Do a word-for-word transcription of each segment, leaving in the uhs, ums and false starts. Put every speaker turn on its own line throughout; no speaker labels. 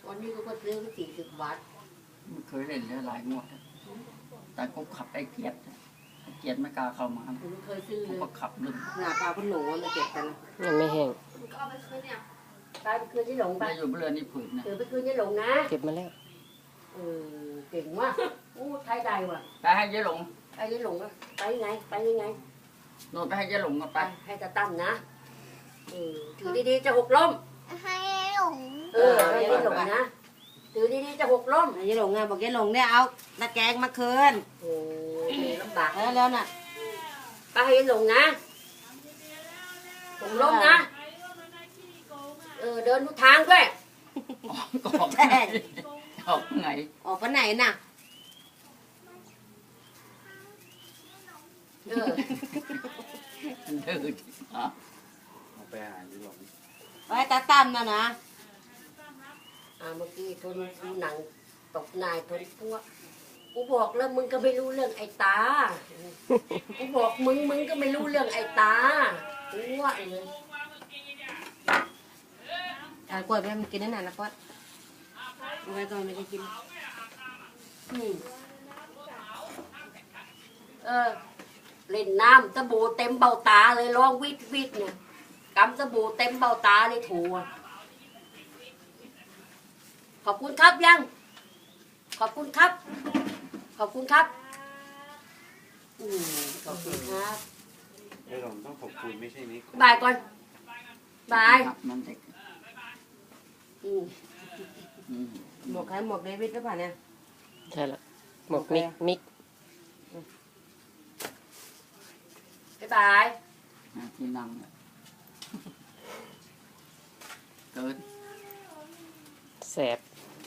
วันนี้ก็ซื้อไปสี่สิบบาท
มันเคยเล่นแล้วหลายงวดแต่ก็ขับไอ้เกียรติเกียรติไม่กล้าเข้ามา
ผมเคยซื้อเลย
ก็ขับลืม
หน้าปลาพหนูมาเก็บกัน
ยังไม่แห้ง
ก็เอาไปคืนเนี่ยตายไปคืนที่หลงไป
อยู่เรือนี่ผืนนะ
เออไปคืนที่หลงนะ
เก็บมาแล้ว
เออเก่งมากอู้ไทยได้ว่ะ
ไปให้ยายหลง
ไปยายหลงอะไปยังไงไปยังไง
โน่นไปให้ยายหลงกันไป
ให้ตาตั้มนะเออถือดีๆจะหกล้ม
ให้หลง
เออให้ยายหลงนะถือดีๆจะหกล้ม
ยายหลงไงบอกยายหลงเนี่ยเอาตะแกรงมาคืน
โอ้ลำบาก
แล้วแล้วน่ะ
ไปให้ยายหลงนะหกล้มนะเออเดินทุกทางด้วย
ก็ออกไงออกไง
ออกไปไหนน่ะ
เออ
เดินอ่ะ
เอาไปหาที่หลง
ไว้ตาตั้มนะนะ
อ่าเมื่อกี้ทนดูหนังตกนายทนพวกกูบอกแล้วมึงก็ไม่รู้เรื่องไอ้ตากูบอกมึงมึงก็ไม่รู้เรื่องไอ้ตากูว่าเออ
ถ่ายกล้วยไปมันกินได้นานนะป๊อดเอาไว้ก่อนไม่ได้กิน
อืมเออเล่นน้ำสบู่เต็มเบ้าตาเลยร้องวิดวิดเนี่ยกำสบู่เต็มเบ้าตาเลยถูขอบคุณครับยังขอบคุณครับขอบคุณครับอืมขอบคุณครับ
ไอ้หลงต้องขอบคุณไม่ใช่นี้
บายก่อนบาย
มันเด็ก
อืม
หมวกใครหมวกเดวิดหรือเปล่าเนี่ย
ใช่ละหมวกมิกมิก
บ๊ายบาย
ที่นั่งเกิน
แสบ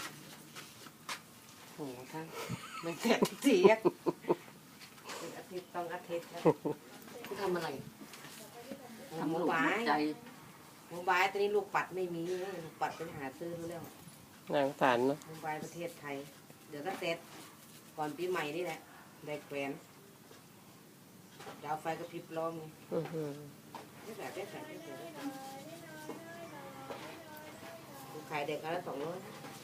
โอ้โหท่านไม่แสบเสียอาทิตย์ต้องอาทิตย์แล้ว
คุณทำอะไร
ทำลูกใจ
โมบายตอนนี้ลูกปัดไม่มีลูกปัดไปหาซื้อแล้ว
นางสารเนาะ
โมบายประเทศไทยเดี๋ยวก็เสร็จก่อนปีใหม่นี่แหละได้แขวนดาวไฟก็พริบล้อมได้แบบได้แบบได้แบบขายเด็กกันละสองร้อย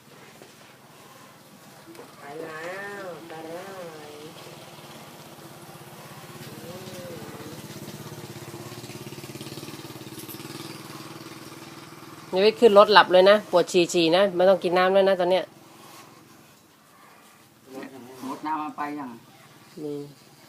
ขายแล้วขายแล้ว
นี่ไปขึ้นรถหลับเลยนะปวดฉี่ฉี่นะไม่ต้องกินน้ำแล้วนะตอนเนี้ย
หมดน้ำมาไปยัง
นี่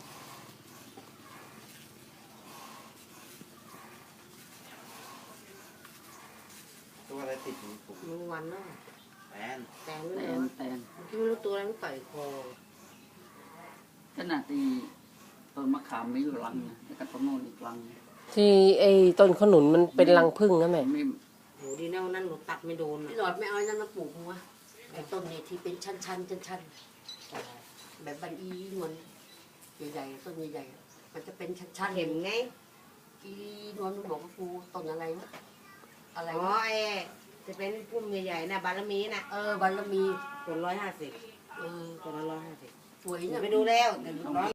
ตัวอะไรติดอยู่ผม
มึงวันแล้ว
แตน
แตน
แตนแตน
ที่ไม่รู้ตัวอะไรมันต่อยคอ
ขนาดที่ต้นมะขามไม่อยู่รังนะแล้วก็ต้นโน่นอีกรัง
ที่ไอ้ต้นขนุนมันเป็นรังผึ้งนะแม่
โหดีแน่นั่นหนูตัดไม่โดน
พี่หลอดไม่เอานั่นมาปลูกวะไอ้ต้นนี่ที่เป็นชั้นชั้นชั้นชั้นแบบบันอีนวลใหญ่ๆต้นใหญ่ๆมันจะเป็นชั้นชั้น
เห็นไง
อีนวลมันบอกว่าปลูกต้นอะไรวะอะไร
อ๋อไอ้จะเป็นพุ่มใหญ่ๆนะบารมีนะ
เออบารมี
ต้นร้อยห้าสิบ
เออ
ต้นละร้อยห้าสิบ
สวยเนี่ย
ไปดูแล้วแต่ร้อย